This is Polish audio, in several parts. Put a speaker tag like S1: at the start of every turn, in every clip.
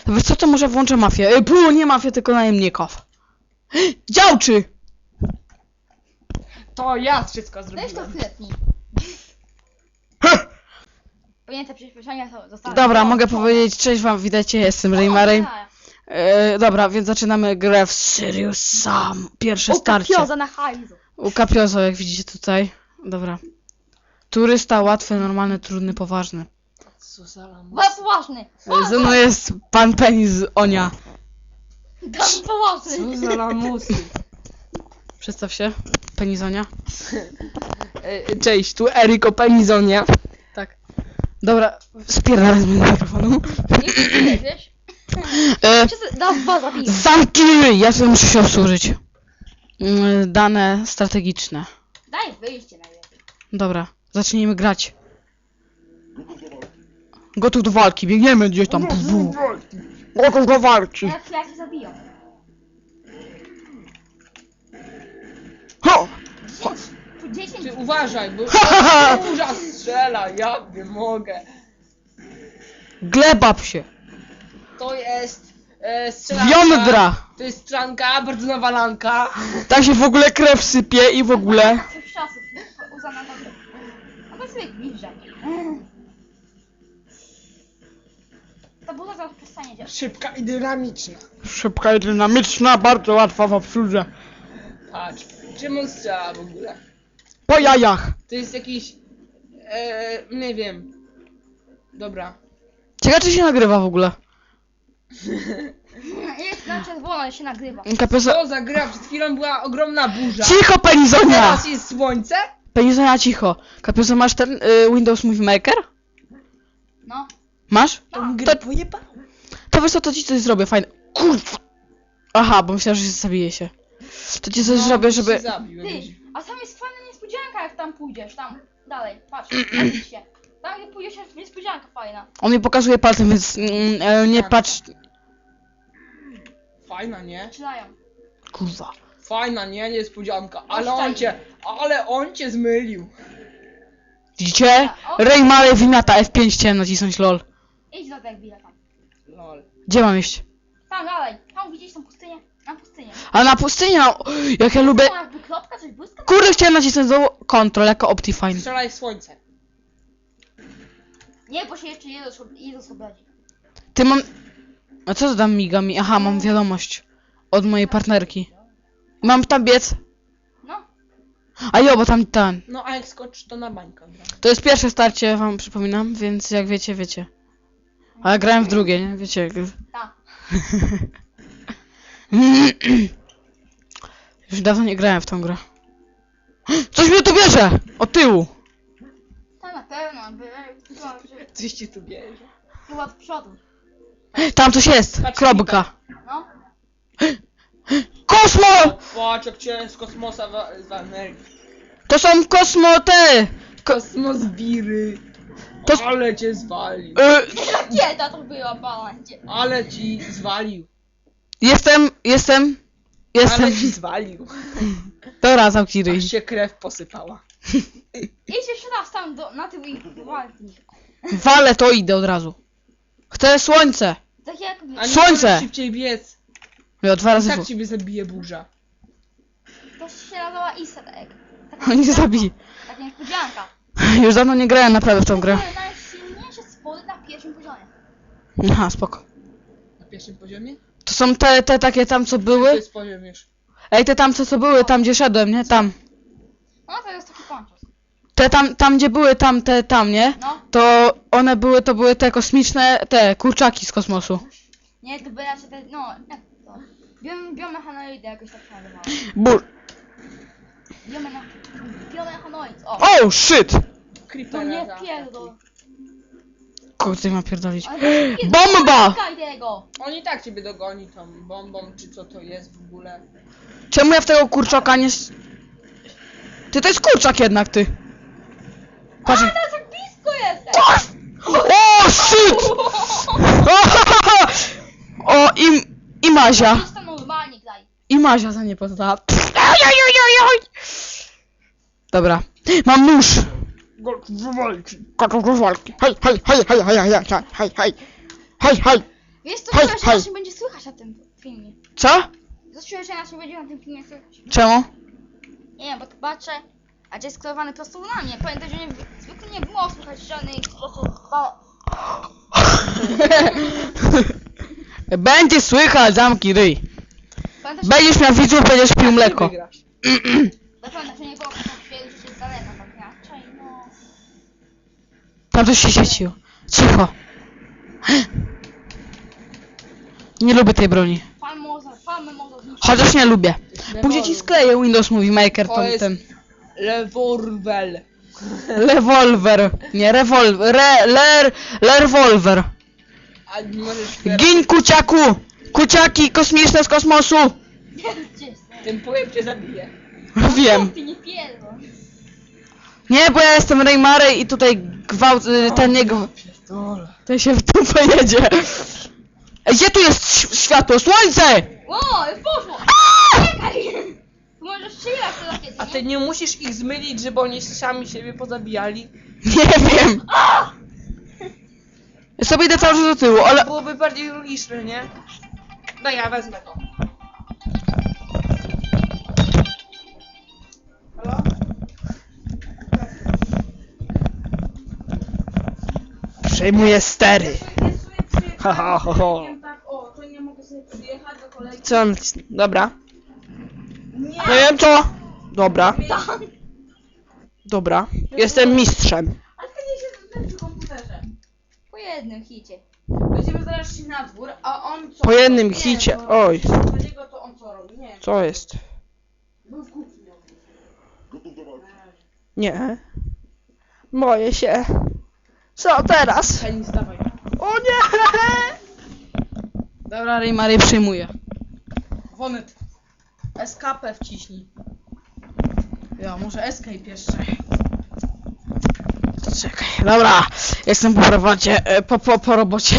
S1: Wiesz co, to może włączę mafię. Nie mafię, tylko najemników. Działczy!
S2: To ja wszystko
S3: Weź to
S2: zrobiłem.
S3: chwilecznik. Pojęte przyspieszenia zostały.
S1: Dobra, mogę powiedzieć, cześć wam, witajcie, jestem Raymaray. Dobra, więc zaczynamy grę w Serious Sam. Pierwsze starcie.
S3: Kapioza na hajzu.
S1: U Kapiozo, jak widzicie tutaj. Dobra. Turysta, łatwy, normalny, trudny, poważny.
S2: Co za lamus.
S3: Bardzo poważny.
S1: Ze mną jest pan Penny z Onia.
S3: Bardzo poważny.
S2: Co za lamusy.
S1: Przedstaw się. Penny z Onia.
S2: Cześć, tu Eryk o Penizonie.
S1: Tak. Dobra, spierdalaj z mojego mikrofonu.
S3: Nie wiesz? Nas dwa zabiję.
S1: Zamknij ryj! Ja sobie muszę się obsłużyć. Dane strategiczne.
S3: Daj wyjście najlepiej.
S1: Dobra, zacznijmy grać. Gotów do walki, biegniemy gdzieś tam. Gotów do walki.
S3: Jak się zabiją.
S1: Ho!
S3: 10.
S2: Ty uważaj, bo burza strzela, ja nie mogę.
S1: Gleba się.
S2: To jest strzelanka.
S1: Jądra!
S2: To jest strzelanka, bardzo nawalanka.
S1: Tak się w ogóle krew sypie i w ogóle.
S3: Coś czasów. Uzana na to. A to sobie bliżej. Ta buza zaraz przestanie działać.
S2: Szybka i dynamiczna.
S1: Szybka i dynamiczna, bardzo łatwa w obsłudze.
S2: Patrz, czym on strzela w ogóle?
S1: Po jajach.
S2: To jest jakiś... nie wiem. Dobra.
S1: Ciekawe czy się nagrywa w ogóle.
S3: Jest na czerwono, ale się nagrywa.
S1: Kapiozo...
S2: Co za gra? Przed chwilą była ogromna burza.
S1: Cicho, Penizonia!
S2: Teraz jest słońce?
S1: Penizonia, cicho. Kapiozo, masz ten Windows Movie Maker?
S3: No.
S1: Masz?
S2: Tą
S1: To-
S2: grę pojebał.
S1: To wiesz co, to ci coś zrobię, fajne. Kurwa! Aha, bo myślałem, że się zabije się. To ci coś zrobię, żeby...
S2: Się zabił,
S3: Ty,
S2: jakiś-
S3: a tam jest fajna niespodzianka, jak tam pójdziesz, tam dalej, patrz, patrz się. Tam gdzie pójdziesz jest niespodzianka fajna.
S1: On mi pokazuje palcem, więc nie patrz...
S2: Fajna, nie?
S3: Zaczynają.
S1: Kurwa.
S2: Fajna, nie? Niespodzianka.
S3: Oszczędź.
S2: Ale on cię zmylił.
S1: Widzicie? Raymaray wymiata F5, chciałem nacisnąć lol.
S3: Idź do tego chwilę tam.
S2: Lol.
S1: Gdzie mam iść?
S3: Tam dalej, tam widzisz tą pustynię? Na pustynię.
S1: A na pustyni, no, jak ja lubię...
S3: Tam jakby kropka, coś błyska?
S1: Kurde, chciałem nacisnąć do Control jako Optifine.
S2: Strzelaj w słońce.
S3: Nie, bo się jeszcze Jezus obradzi.
S1: Ty mam... A co to tam miga mi? Aha, mam wiadomość. Od mojej partnerki. Mam tam biec.
S3: No,
S1: A jo, bo tam ten.
S2: No a jak skocz to na bańkę. Gra.
S1: To jest pierwsze starcie, wam przypominam, więc jak wiecie, wiecie. A ja grałem w drugie, nie? Wiecie.
S3: tak.
S1: Już dawno nie grałem w tą grę. Coś mnie tu bierze! Od tyłu!
S3: To na pewno,
S2: Coś ci tu bierze.
S3: chyba od przodu.
S1: Tam coś jest!
S2: Patrz,
S1: Kropka!
S3: No,
S1: Kosmo!
S2: Patrz jak cię z kosmosa z energii.
S1: To są kosmo te!
S2: Kosmos biry.
S1: To-
S2: Ale cię zwalił.
S3: rakieta to była, balancie.
S2: Ale ci zwalił.
S1: Jestem.
S2: Ale ci zwalił.
S1: Dobra, zamknij ryj.
S2: Aż się krew posypała.
S3: Idź jeszcze raz tam na tył i walki.
S1: Walę to idę od razu. Chcę słońce!
S3: Tak jakby,
S2: A nie
S1: Słońce!
S2: możesz szybciej biec.
S1: Jo, 2 razy
S2: Tak
S1: w...
S2: ciebie zabije burza.
S3: to się nazywała easter egg.
S1: On nie zabije.
S3: Taka niespodzianka.
S1: Już dawno nie grałem naprawdę w tą grę.
S3: To są najsilniejsze spody na pierwszym poziomie.
S1: Aha, spoko.
S2: Na pierwszym poziomie?
S1: To są te takie tam co
S2: To
S1: były.
S2: jest poziom już.
S1: Ej, te tam co były, tam gdzie szedłem, nie? Tam.
S3: No to jest taki ponczos.
S1: Te tam gdzie były, tam, nie?
S3: No,
S1: To one były, to były te kosmiczne, te kurczaki z kosmosu.
S3: nie, to by raczej te, no, jak to? Biomechanoidy jakoś tak się nazywało.
S1: Bur.
S3: Biomechanoid, o!
S1: Oh shit!
S3: To
S2: Creepera
S3: nie
S2: za-
S3: pierdol.
S1: Kurde, ma pierdolić.
S3: Ale to nie pierdol,
S1: Bomba!
S3: nie szukaj tego!
S2: On i tak ciebie dogoni tą bombą, czy co to jest w ogóle.
S1: Czemu ja w tego kurczaka nie... Ty, to jest kurczak jednak, ty. Patrz.
S3: Ale tak blisko jesteś!
S1: O, shit! O, i Mazia.
S3: Jest to normalnie, graj.
S1: I Mazia za nie poznała. Dobra. Mam nóż. Gotów do walki. Hej, hej, hej, hej, hej, hej, hej, hej, hej, hej, hej.
S3: Wiesz co,
S1: Hej,
S3: czuję, że
S1: hej.
S3: nas nie będzie słychać na tym filmie.
S1: Co?
S3: Czuję, że nas nie będzie na tym filmie słychać.
S1: Czemu?
S3: Nie wiem, bo to patrzę, a gdzie jest skierowany prosto na mnie. Pamiętaj, że zwykle nie było słychać żadnych głosów.
S1: Będzie słychać, zamki ryj.
S3: Pamiętaj,
S1: Będziesz miał widzów, będziesz pił mleko.
S2: Wygrasz.
S3: że nie było słychać, że jest daleko, tak raczej, no.
S1: Tam coś się świeciło. Cicho. Nie lubię tej broni.
S3: Palmy może zniszczyć.
S1: Chociaż nie lubię. Później ci skleję Windows Movie Maker
S2: To
S1: ten,
S2: jest-
S1: ten.
S2: Leworwel.
S1: Rewolwer. Nie, rewolwer. Rewolwer.
S2: A nie możesz teraz
S1: Gin kuciaku! Kuciaki kosmiczne z kosmosu!
S3: Gdzie jest?
S2: tym powiem cię zabiję.
S1: Wiem.
S3: Ty nie pierdol.
S1: Nie, bo ja jestem Reymary i tutaj gwałt, ten nie
S2: Pierdolę.
S1: ten się w dupę jedzie. Ej, gdzie tu jest światło? Słońce!
S3: O, już poszło! Czekaj! Tu możesz strzelać to rakiety,
S2: A ty nie musisz ich zmylić, żeby oni sami siebie pozabijali?
S1: Nie wiem. Ja sobie idę cały czas do tyłu, ale...
S2: Byłoby bardziej logiczne, nie? No ja wezmę to. Halo?
S1: Przejmuję stery.
S2: O, to nie mogę sobie przyjechać do kolegi. Co on nacisnął? Dobra. Nie wiem co. Dobra. Dobra. Jestem mistrzem.
S4: Ale to nie się przy komputerze.
S3: Po jednym hicie.
S4: Będziemy zaraz szli na dwór, a on co?
S2: Po jednym
S4: Nie,
S2: hicie.
S4: bo
S2: Oj.
S4: Dla niego to on co robi? Nie,
S2: Co jest?
S4: był w kuchni.
S2: Nie. Boję się. Co teraz?
S4: Penis, dawaj.
S2: O nie!
S1: Dobra, Reymary przyjmuję.
S4: Wonet. Escape wciśnij. Ja, może escape jeszcze.
S1: Czekaj, dobra. Jestem po robocie, po robocie.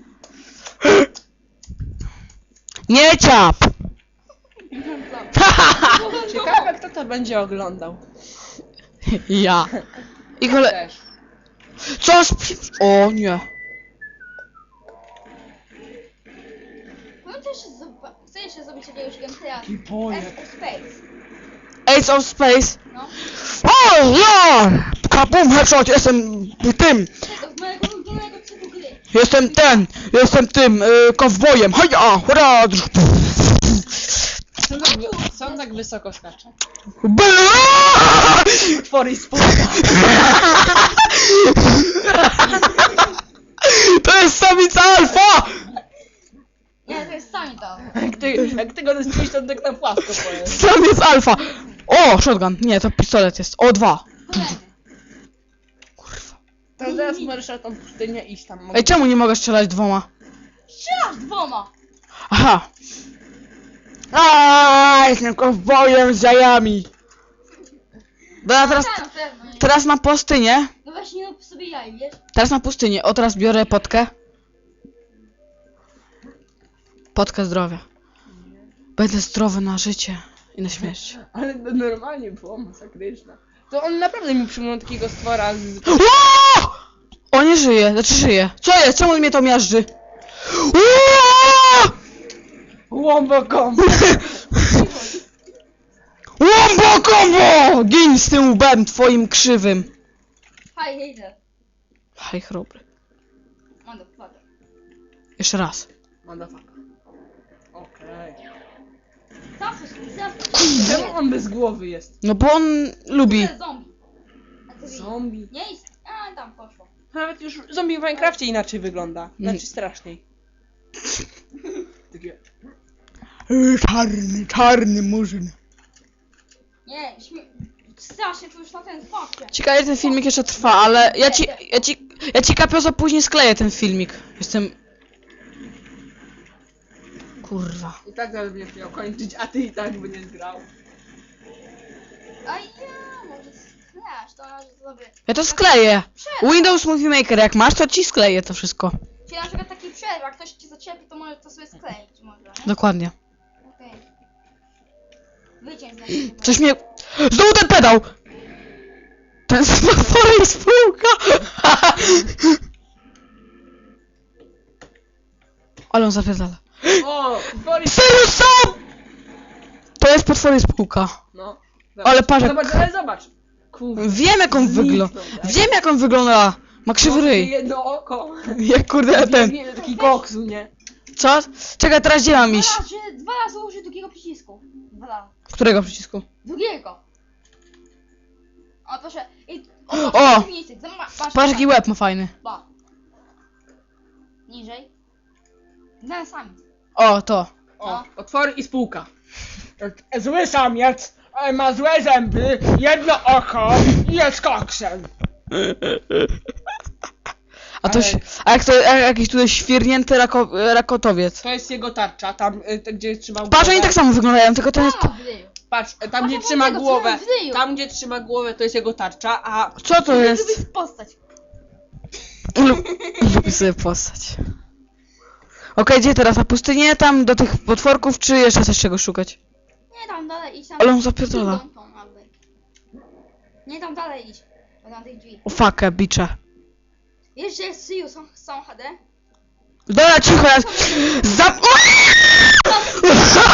S1: Nie ciap!
S2: Ciekawe kto to będzie oglądał.
S1: Ja. I kole...
S2: Też.
S1: Co? O nie.
S3: Chcę jeszcze zrobić jakiegoś gameplaya.
S2: I boję.
S3: F Space.
S1: Ace of Space.
S3: No.
S1: O ja! Kabum, headshot, jestem tym.
S3: Tego, z mojego ulubionego typu gry.
S1: Jestem tym, kowbojem. Haja, hurra!
S2: Co on tak wysoko skacze?
S1: Bla!
S2: Utwory spółka.
S1: To jest samica alfa!
S3: Nie, to jest sami to.
S2: Jak ty go dostrzelisz, to tak na płasko pojedzie.
S1: Samiec alfa! O, shotgun. Nie, to pistolet jest. O, 2.
S3: Kolejny.
S2: To teraz możesz na tą pustynię iść tam.
S1: Ej, czemu nie mogę strzelać 2?
S3: Strzelasz dwoma.
S1: Aha. Jestem kowbojem z jajami. Dobra, teraz,
S3: Tak, na pewno.
S1: teraz na pustynię.
S3: No właśnie, rób sobie jaj, wiesz?
S1: Teraz na pustynię. O, teraz biorę potkę. Potkę zdrowia. Będę zdrowy na życie i na śmierć.
S2: Ale to normalnie było masakryczne. To on naprawdę mi przypomniał takiego stwora z...
S1: Ło! O, nie żyje, znaczy żyje. Co jest? Czemu mnie to miażdży? Ło!
S2: Łombo kombo.
S1: Łombo kombo! Gin z tym łbem twoim krzywym.
S3: Hej, hejter.
S1: Hej, chrobry.
S3: Motherfucker.
S1: Jeszcze raz.
S2: Motherfucker. Okej. Czemu on bez głowy jest?
S1: No bo on lubi.
S3: To jest zombie. A ty
S2: Zombie.
S3: nie jest. A, tam poszło.
S2: Nawet już zombie w Minecrafcie inaczej wygląda. Znaczy straszniej. Takie...
S1: Czarny murzyn.
S3: Nie, strasznie, to już na ten patrzę.
S1: Ciekawe, ten filmik jeszcze trwa, ale ja ci kapiozo później skleję ten filmik. Jestem... Kurwa.
S2: I tak zaraz będziesz miał kończyć, a ty i tak będziesz grał.
S3: A ja, może sklasz, to może sobie.
S1: Ja to skleję. Windows Movie Maker, jak masz, to ci skleję to wszystko.
S3: Czyli na przykład taki przerw, jak ktoś ci zaczepi, to może to sobie skleić, może, nie?
S1: Dokładnie.
S3: Okej. Wyciąć z niego.
S1: Coś mnie... Znowu ten pedał! Ten smaforek spółka! Ale on zapierdala.
S2: O, Boris.
S1: Sirius Sam! To jest potwory spółka.
S2: No.
S1: Ale patrz jak...
S2: Zobacz, ale zobacz. Kurde.
S1: Wiem jak on wygląda.
S2: Zniknął, tak?
S1: Wiem jak on wygląda. Ma krzywy ryj.
S2: Jedno oko.
S1: Jak kurde ten.
S2: Nie, taki koksu, nie?
S1: Co? Czekaj, teraz gdzie mam iść?
S3: Dwa razy użyj drugiego przycisku. Dwa razy.
S1: Którego przycisku?
S3: Drugiego. O, proszę. I...
S1: O! Patrz jaki
S3: łeb.
S1: łeb ma fajny.
S3: Ba. Niżej. No, sami.
S1: O, to.
S2: O, otwory i spółka. Zły samiec, ma złe zęby, jedno oko i jest koksem.
S1: A to
S2: Ale-
S1: a jak to jakiś tutaj świrnięty rakotowiec.
S2: To jest jego tarcza, tam gdzie trzymał
S1: Patrz,
S2: głowę.
S1: oni tak samo wyglądają, tylko ten jest...
S3: A, w ryju.
S2: Patrz, tam
S3: Patrz,
S2: gdzie
S3: jak
S2: trzyma
S3: on tego
S2: głowę,
S3: trzyma w ryju.
S2: tam gdzie trzyma głowę to jest jego tarcza, a
S1: Co to jest?
S3: Lubisz postać.
S1: Lubię sobie postać. Okej, gdzie teraz? Na pustynię? Tam do tych potworków, czy jeszcze coś czego szukać?
S3: Nie tam dalej idź tam.
S1: Ale on zapierdala.
S3: Nie tam dalej idź. Bo tam tych drzwi.
S1: O fuck, bicze.
S3: Wiesz, że jest Sirius są HD?
S1: Dobra, cicho, ja...